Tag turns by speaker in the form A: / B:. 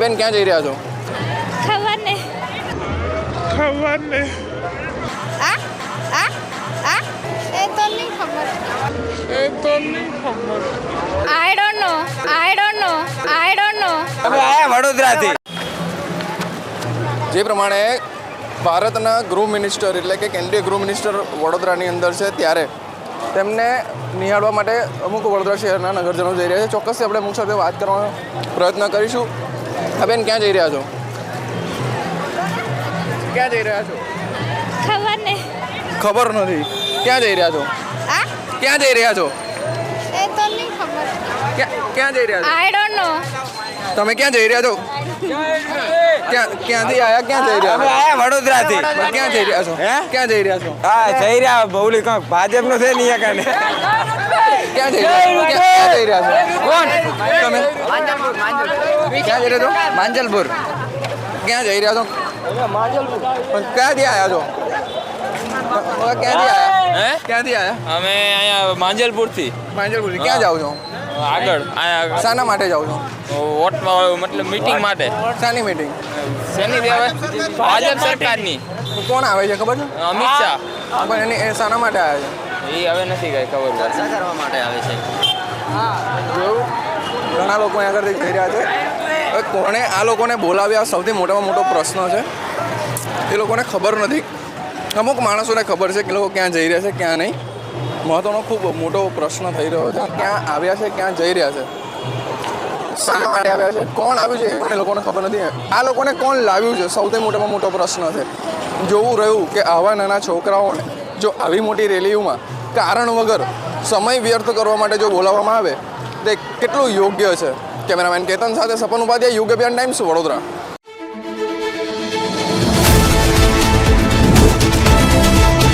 A: બેન ક્યાં જઈ રહ્યા છો?
B: ખબર નહીં. આ આ આ એ તો નહીં ખબર. I don't know.
C: અમે આયા વડોદરાથી.
A: જે પ્રમાણે ભારતના ગૃહ મિનિસ્ટર એટલે કે કેન્દ્રીય ગૃહ મિનિસ્ટર વડોદરાની અંદર છે, ત્યારે તેમને નિહાળવા માટે અમુક વડોદરા શહેરના નગરજનો જઈ રહ્યા છે. ચોક્કસથી આપણે અમુક સાથે વાત કરવાનો પ્રયત્ન કરીશું. બેન ક્યાં જઈ રહ્યા છો? ક્યાં જઈ રહ્યા છો?
B: ખબર નહીં.
A: ખબર નથી. ક્યાં જઈ રહ્યા છો?
B: આ
A: ક્યાં જઈ રહ્યા છો?
B: એ તો નહીં ખબર.
A: ક્યાં જઈ રહ્યા છો?
B: I don't know.
A: તમે ક્યાં જઈ રહ્યા છો? ક્યાંથી આયા? ક્યાં જઈ રહ્યા
C: અમે
A: છો?
C: આયા વડોદરાથી.
A: ક્યાં જઈ રહ્યા છો?
C: હે?
A: ક્યાં જઈ રહ્યા છો?
C: હા જઈ રહ્યા બહુલી કાંક ભાજપનો છે નહીં કાને.
A: ક્યાં જઈ રહ્યા છો? ક્યાં જઈ રહ્યા છો? કોણ તમે? ક્યાં જઈ રહ્યા છો? માંજલપુર. ક્યાં જઈ રહ્યા છો? પણ ક્યાંથી આવ્યા છો? ક્યાંથી આવ્યા? ક્યાંથી આવ્યા?
D: અમે અહીંયા માંજલપુરથી
A: માંજલપુરથી. ક્યાં જાઓ છો?
D: આગળ અહીંયા
A: શાના માટે જાઓ છો?
D: વોટમાં મતલબ મીટિંગ માટે.
A: શાની મીટિંગ?
D: શેની કહેવાય? ભાજપ સરકારની.
A: કોણ આવે છે ખબર છે?
D: અમિત શાહ.
A: પણ એ શાના માટે આવ્યા છે?
D: એ હવે નથી કઈ ખબર પડે.
C: કરવા માટે આવે છે.
A: જોયું, ઘણા લોકો અહીં આગળથી જઈ રહ્યા છે. હવે કોણે આ લોકોને બોલાવ્યા સૌથી મોટામાં મોટો પ્રશ્ન છે. એ લોકોને ખબર નથી. અમુક માણસોને ખબર છે કે લોકો ક્યાં જઈ રહ્યા છે, ક્યાં નહીં. મહત્વનો ખૂબ મોટો પ્રશ્ન થઈ રહ્યો છે. ક્યાં આવ્યા છે, ક્યાં જઈ રહ્યા છે, શા માટે આવ્યા છે, કોણ આવ્યું છે એ લોકોને ખબર નથી. આ લોકોને કોણ લાવ્યું છે સૌથી મોટામાં મોટો પ્રશ્ન છે. જોવું રહ્યું કે આવા નાના છોકરાઓને જો આવી મોટી રેલીઓમાં કારણ વગર સમય વ્યર્થ કરવા માટે જો બોલાવવામાં આવે તે કેટલું યોગ્ય છે. કેમેરામેન કેતન સાથે સપન ઉપાધ્યાય, યુગ અભિયાન ટાઈમ્સ, વડોદરા.